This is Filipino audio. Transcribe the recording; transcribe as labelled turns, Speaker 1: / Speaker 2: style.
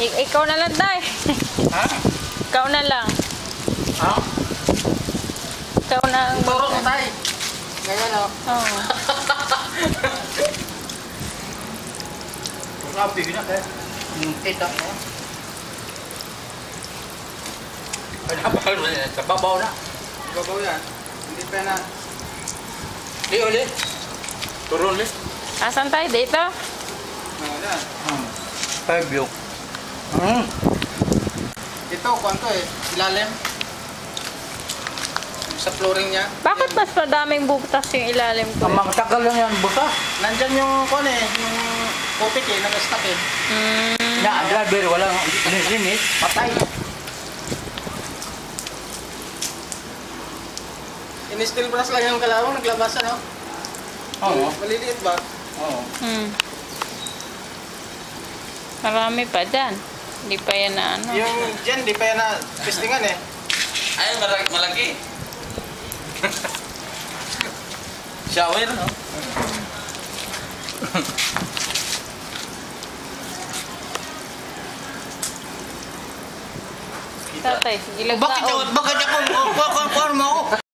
Speaker 1: Ikaw na lang, Day.
Speaker 2: Ha?
Speaker 1: Ikaw na lang.
Speaker 2: Ha?
Speaker 1: Ikaw na ang...
Speaker 2: Turo ko tayo. Ganyan o.
Speaker 1: Oo.
Speaker 2: Grabe na kayo. Kita mo. Ay, napakal mo yan. Sa babaw na.
Speaker 3: Babaw yan. Hindi pa na.
Speaker 2: Di ulit. Turo ulit.
Speaker 1: Asan tayo? Dito?
Speaker 3: Yan.
Speaker 2: 5 view.
Speaker 3: Ito, kwanto eh. Ilalim. Sa flooring niya.
Speaker 1: Bakit mas madaming butas yung ilalim ko?
Speaker 2: Ang mga tagal lang yan, buta.
Speaker 3: Nandyan yung kwan eh. Yung putik eh. Nag-stack eh.
Speaker 2: Na, driver, walang limit. Patay.
Speaker 3: In-steel brass lang yung kalawang. Naglabasan no?
Speaker 2: Oo.
Speaker 3: Maliliit ba?
Speaker 2: Oo.
Speaker 1: Marami pa dyan. Hindi pa yan na ano.
Speaker 3: Yung dyan, di pa yan na pistingan eh.
Speaker 2: Ay, malaki. Shower, no?
Speaker 1: Tatay, ilag
Speaker 2: Bakit
Speaker 1: taon.
Speaker 2: ako? Bakit ako? Kuha mo ako?